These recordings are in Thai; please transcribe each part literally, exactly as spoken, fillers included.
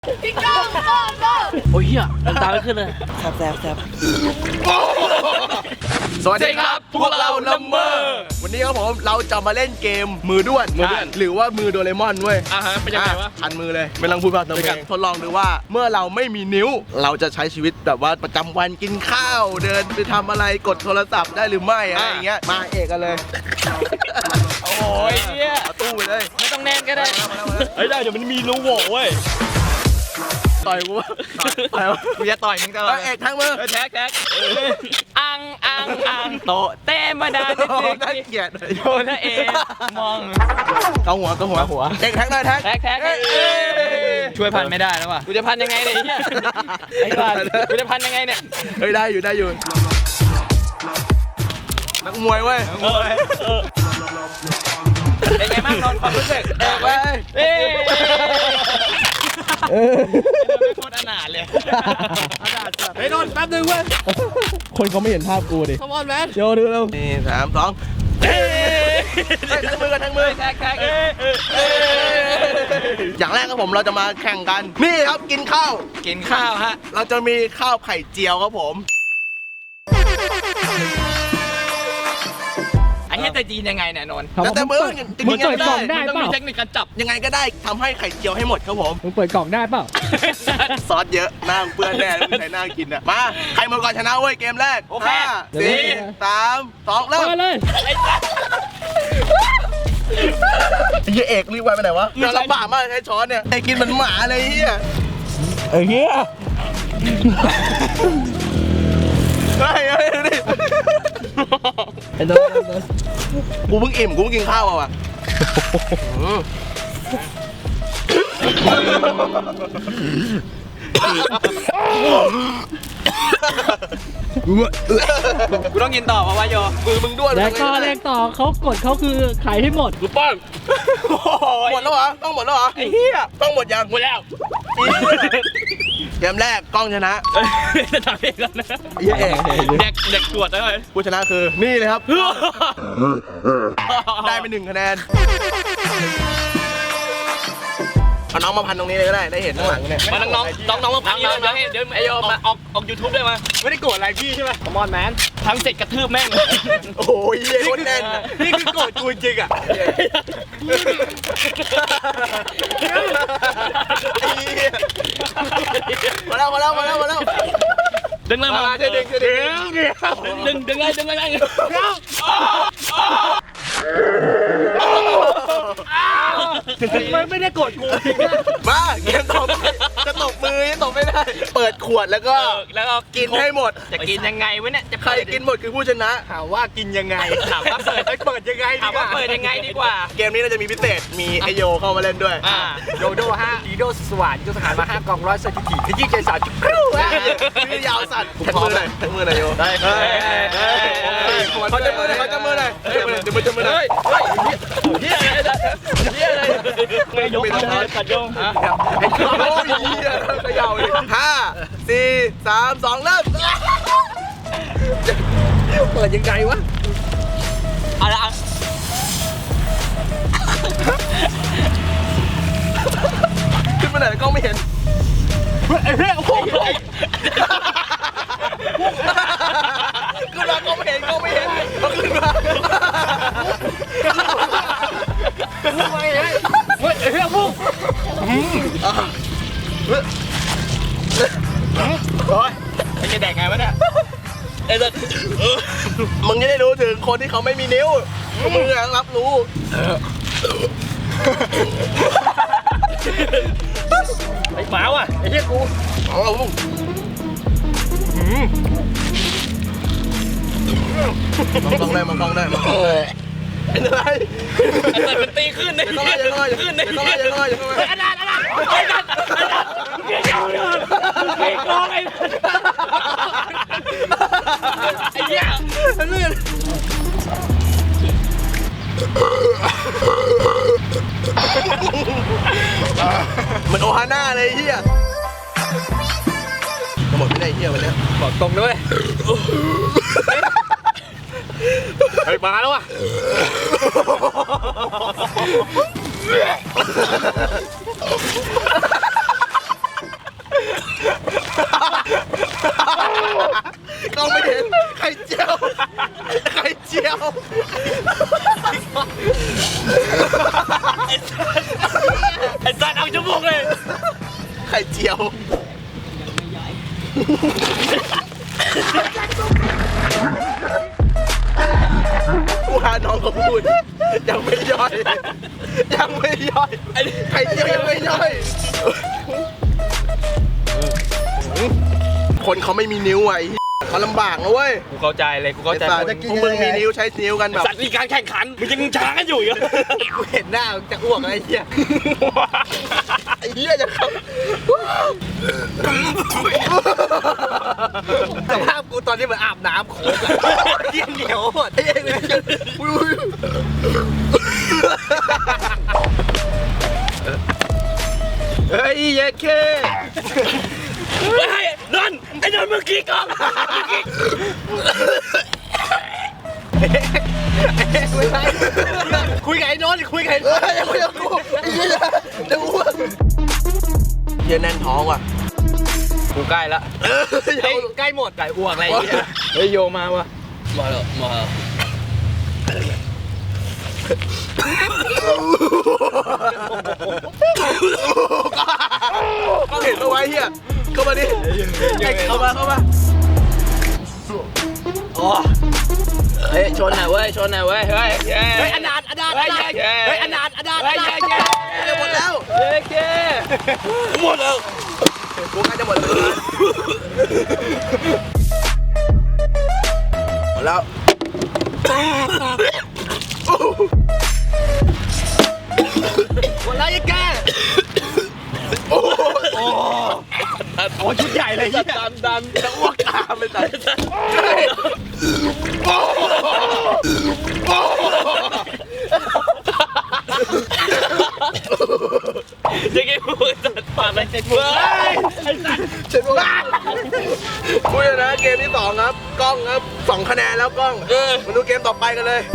พี่ก้องก้องก้องโอ้ยเฮียน้ำตาไม่ขึ้นเลยแซบแซบแซบสวัสดีครับพวกเราลัมเมอร์วันนี้ครับผมเราจะมาเล่นเกมมือด้วนหรือว่ามือโดเรมอนเว้ยอ่าฮะเป็นยังไงวะพันมือเลยไม่ต้องพูดภาษาอังกฤษทดลองดูว่าเมื่อเราไม่มีนิ้วเราจะใช้ชีวิตแบบว่าประจำวันกินข้าวเดินไปทำอะไรกดโทรศัพท์ได้หรือไม่อะไรอย่างเงี้ยมาเอกกันเลยโอ้ยเนี่ยเอาตู้ไปเลยไม่ต้องแน่นก็ได้เฮ้ยได้เดี๋ยวมันมีรูโหว่เว้ยต่อยกูต่อยกูจะต่อยมึงตลอดเอกทั้งมือแท็กแท็กอังอังอังโตเต้มาดาดิน่าเกลียดโยนเอมองเกาหัวเกาหัวหัวเอกแท็กหน่อยแท็กแท็กแท็กช่วยพันไม่ได้แล้วว่ะกูจะพันยังไงเนี่ยไอ้บ้ากูจะพันยังไงเนี่ยเฮ้ยได้อยู่ได้อยู่นักมวยเว้ยเป็นไงบ้างนอนความรู้สึกเอกเว้ยเอ้เออไม่โคตรอนาถเลยอนาถจัดเฮ้ยนอนแป๊บนึงเว้ยคนเขาไม่เห็นภาพกูดิ Come on man โยดูเร็วนี่สามสองเฮ้ยทั้งมือกันทั้งมือแท็กแท็กอย่างแรกครับผมเราจะมาแข่งกันนี่ครับกินข้าวกินข้าวฮะเราจะมีข้าวไข่เจียวครับผมไอ้เหี้ยแต่จีนยังไงเนี่ยนนท์แล้วแต่มึงมึงเปิดกล่องได้ต้องเปล่ามีเทคนิคการจับยังไงก็ได้ทำให้ไข่เจียวให้หมดครับผมมึงเปิดกล่องได้เปล่าซอสเยอะหน้าเปื้อนแน่ไม่ใช่หน้ากินอ่ะมาใครหมดก่อนชนะเว้ยเกมแรกโอเคสี่สามสองเริ่มเลยเฮียเอกรีบไปไหนวะเราลำบากมากใช้ช้อนเนี่ยไอ้กินมันหมาเลยเฮียไอ้เฮียไอ้ไอ้ดิไอ้โดนกูเพิ่งอิ่มกูเพิ่งกินข้าวอ่ะกูต้องกินต่อเพราะว่าโยมือมึงด้วยแล้วก็เรียกต่อเขากดเขาคือขายให้หมดกูป้อนหมดแล้วเหรอต้องหมดแล้วเหรอไอ้เหี้ยต้องหมดยังหมดแล้วเกมแรกกล้องชนะจะทำเองแล้วนะเย้เด็กเด็กตรวจได้เลยผู้ชนะคือนี่เลยครับได้ไปหนึ่งคะแนนเอาน้องมาพันตรงนี้เลยก็ได้ได้เห็นข้างหลังเนี่ยมาน้องน้องน้องมาพันเดี๋ยวเดี๋ยวเดี๋ยวไอโยมาออกออกยูทูบได้ไหมไม่ได้โกรธอะไรพี่ใช่ไหมคอมอนแมนทำเสร็จกระทืบแม่งโอ้ยเย้โคตรแน่นนี่คือโกรธกูจริงอ่ะมาแล้วมาแล้วมาแล้วมาแล้วดึงเลยมาดึงดึงดึงดึงดึงเลยดึงเลยมันไม่ได้กดกูมาเกมต่อไปจะตบมือยังตบไม่ได้เปิดขวดแล้วก็แล้วก็กินให้หมดจะกินยังไงวะเนี่ยจะใครกินหมดคือผู้ชนะถามว่ากินยังไงถามว่าเปิดเปิดยังไงถามว่าเปิดยังไงดีกว่าเกมนี้เราจะมีพิเศษมีไอโยเข้ามาเล่นด้วยโยโดห้าดีโดสว่านยุทธหารมาห้ากองร้อยสถิติที่ยี่ใจสาวจุ๊กรูคือยาวสัตว์ทั้งมือเลยทั้งมือเลยโยได้เขาจะมือเลยเขาจะมือเลยเดี๋ยวมันจะมือจะมือเลยเฮียอะไรเฮียอะไรไม่ยกเลยกัดยงไอ้โอ้ยเฮียเขย่าเลยห้าสี่สามสองเริ่มเปิดยังไงวะอะไรอ่ะขึ้นมาไหนก็ไม่เห็นเฮ้ยเฮ้ยโอ้ยขึ้นมาก็ไม่เห็นก็ไม่เห็นเขาขึ้นมาเฮ้ยเฮ้ยเฮ้ยเฮ้ยพุ่งโอ้ยมันจะแดกไงวะเนี่ยไอ้เด็กมึงจะได้รู้ถึงคนที่เขาไม่มีนิ้วมึงรับรู้ไอ้หมาว่ะไอ้เหี้ยกูเอาลูกมองกล้องได้มองกล้องได้เป็นอะไรไอ้เด็กมันตีขึ้นเลยต้องไล่ยังไงขึ้นเลยต้องไล่ยังไงยังไงอันนั้นอันนั้นไอ้นั่นไอ้นั่นเกี่ยวเดินเกี่ยวกองไอ้ไอ้เหี้ยเลื่อนเหมือนโอฮาน่าเลยเฮียจะหมดไม่ได้เฮียวันนี้บอกตรงด้วยเฮ้ยมาแล้วว่ะเไอ้สัตว์เอาจมูกเลยไข่เจียวกูหาน้องเขาพูดยังไม่ย่อยยังไม่ย่อยไข่เจียวยังไม่ย่อยคนเขาไม่มีนิ้วไอ้เขาลำบากนะเว้ยกูเข้าใจเลยกูเข้าใจไอ้สัตว์พวกมึงมีนิ้วใช้นิ้วกันแบบสัตว์มีการแข่งขันมึงยังช้ากันอยู่อีกกูเห็นหน้าจะอ้วกไอ้เหี้ยไอ้เหี้ยจะเข้าสภาพกูตอนนี้เหมือนอาบน้ำโขกเหี้ยเหนียวหมดไอ้เหี้ยเฮ้ยเย้เคไอ้นนไอ้นนเมื่อกี้ก่อนคุยกับไอ้นนคุยกับไอ้นเฮ้ยอย่าคุยกับกูไอ้เหี้ยจะอ้วกเหี้ยแน่นท้องว่ะกูใกล้ละเฮ้ยใกล้หมดไก่อ้วกอะไรอย่างเงี้ยเฮ้ยโยมาวะมาแล้วมาก็เห็นเอาไว้เฮียเข้ามาดิเข้ามาเข้ามาโอ้เฮ้ยชนหน่อยเว้ยชนหน่อยเว้ยเฮ้ยเฮ้ยอนาถอนาถเฮ้ยเฮ้ยอนาถอนาถเฮ้ยจะหมดแล้วเฮ้ยหมดแล้วกูใกล้จะหมดแล้วหมดแล้วหมดแล้วยังแกโอ้โหชุดใหญ่เลยยี่ดันดันจะอ้วกตามเลยแต่ยังไงมึงจัดปากเลยเจ็ดมือเจ็ดมือคุยนะเกมที่สองครับกล้องครับสองคะแนนแล้วกล้องมาดูเกมต่อไปกันเลย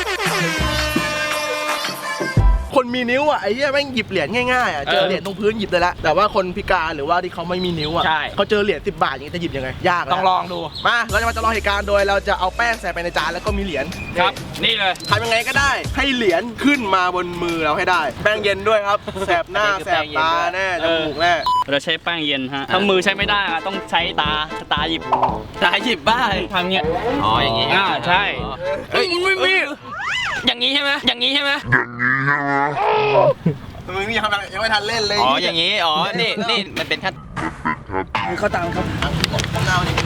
คนมีนิ้วอ่ะไอ้เหี้ยแม่งหยิบเหรียญง่ายๆอ่ะเจอเหรียญตรงพื้นหยิบเลยละแต่ว่าคนพิการหรือว่าที่เขาไม่มีนิ้วอ่ะเขาเจอเหรียญสิบบาทอย่างนี้จะหยิบยังไงยากต้องลองดูมาเราจะมาจำลองเหตุการณ์โดยเราจะเอาแป้งใส่ไปในจานแล้วก็มีเหรียญครับนี่เลยทำยังไงก็ได้ให้เหรียญขึ้นมาบนมือเราให้ได้แป้งเย็นด้วยครับแสบหน้าแสบตาแน่จมูกแน่เราใช้แป้งเย็นฮะถ้ามือใช้ไม่ได้ต้องใช้ตาตาหยิบตาหยิบบ้าทำเงี้ยอ๋ออย่างงี้อ่าใช่เฮ้ยไม่มีอย่างนี้ใช่ไหมอย่างนี้ใช่ไหมมึงนี่ยังยังไม่ทันเล่นเลยอ๋ออย่างนี้อ๋อนี่นี่มันเป็นขั้นเขาตามครับเน่าดิ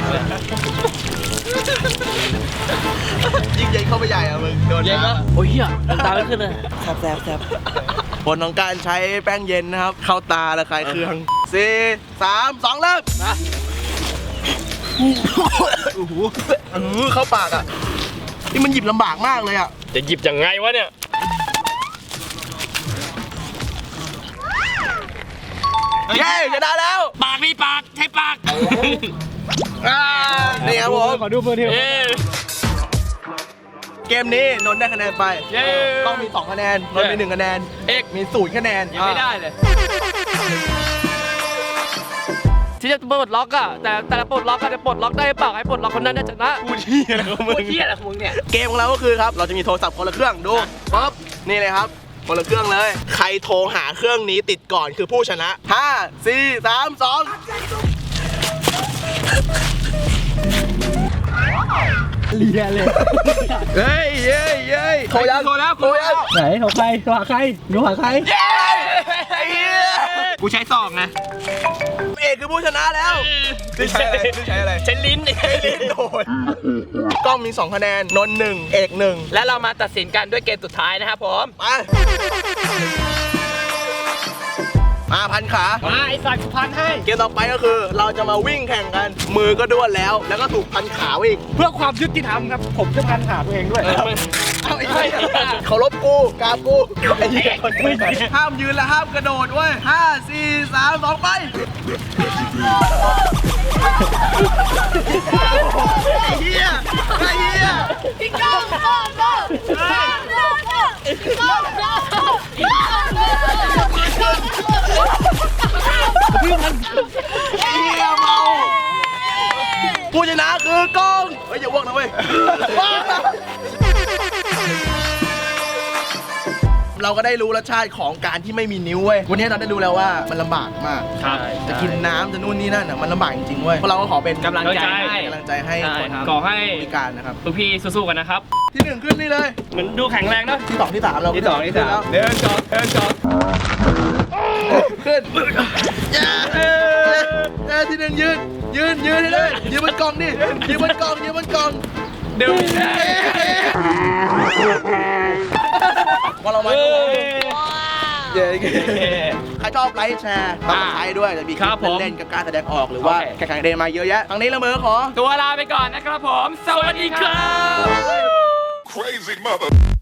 ยิ่งใหญ่เข้าไปใหญ่อะมึงโดนนะโอ้ยเหี้ยน้ำตาไม่ขึ้นเลยแซ่บแซ่บแซ่บผลของการใช้แป้งเย็นนะครับเข้าตาระคายเคืองสี่สามสองเริ่มนะโอ้โหเข้าปากอ่ะนี่มันหยิบลำบากมากเลยอ่ะจะหยิบยังไงวะเนี่ยเย้ชนะแล้วปากมีปากใช้ปากนี่ครับผมขอดูมือเทียวเกมนี้นนท์ได้คะแนนไปต้องมีสองคะแนนนนท์มีหนึ่งคะแนนเอกมีศูนย์คะแนนยังไม่ได้เลยที่จะปลดล็อกอะแต่แต่ละปลดล็อกก็จะปลดล็อกได้เปล่าให้ปลดล็อกคนนั้นน่าจะนะกูเที่ยอะไรของมึงกูเที่ยอะไรของมึงเนี่ยเกมของเราก็คือครับเราจะมีโทรศัพท์คนละเครื่องดูปั๊บนี่เลยครับคนละเครื่องเลยใครโทรหาเครื่องนี้ติดก่อนคือผู้ชนะห้าสี่สามสองเลียเลยเฮ้ยเย้ยเย้ยโทรยังโทรแล้วโทรแล้วไหนโทรใครโทรหาใครโทรหาใครกูใช้ซองไงเอกคือผู้ชนะแล้วใช้อะไรใช้อะไรใช้ลิ้นใช้ลิ้นโดนกล้องมีสองคะแนนนนท์หนึ่งเอกหนึ่งและเรามาตัดสินกันด้วยเกมสุดท้ายนะครับผมไปมาพันขามาไอ้สัตว์พันให้เกมต่อไปก็คือเราจะมาวิ่งแข่งกันมือก็ด้วนแล้วแล้วก็ถูกพันขาอีกเพื่อความยุติธรรมครับผมจะพันขาตัวเองด้วยเอาไอ้เหี้ยเขาลบกูกากูไอ้เหี้ยห้ามยืนและห้ามกระโดดเว้ยห้าสี่สามสองไปไอ้เหี้ยไอ้เหี้ยพี่ก้องก้องก้องก้องก้องก้องก้องก้องก้องไอ้เหี้ยเมาผู้ชนะคือกล้องเฮ้ยอย่าอ้วกนะเว้ยเราก็ได้รู้รสชาติของการที่ไม่มีนิ้วเว้ยวันนี้เราได้รู้แล้วว่ามันลำบากมากครับจะกินน้ำจะนู่นนี่นั่นอ่ะมันลำบากจริงๆเว้ยพวกเราก็ขอเป็นกำลังใจให้กำลังใจให้ใช่คนครับขอให้พิการนะครับทุกพี่สู้ๆกันนะครับที่หนึ่งขึ้นนี่เลยเหมือนดูแข็งแรงเนอะที่สองที่สามเราที่สองที่สามขึ้นเดินจอดเดินจอดแล้วขึ้นเย้เย้ที่หนึ่งยืนยืนยืนให้เลยยืนบนกล่องดิยืนบนกล่องยืนบนกล่องเดินพอเรามาเฮ้ยเย้ใครชอบไลค์แชร์ต้องใช้ด้วยจะมีคครัลิบปผมเล่นๆกับการแสดงออกหรือว่าโอเคแข่งขันเดนมาเยอะแยะครั้งนี้ละเมอขอตัวลาไปก่อนนะครับผม สวัสดีครับ Crazy mother.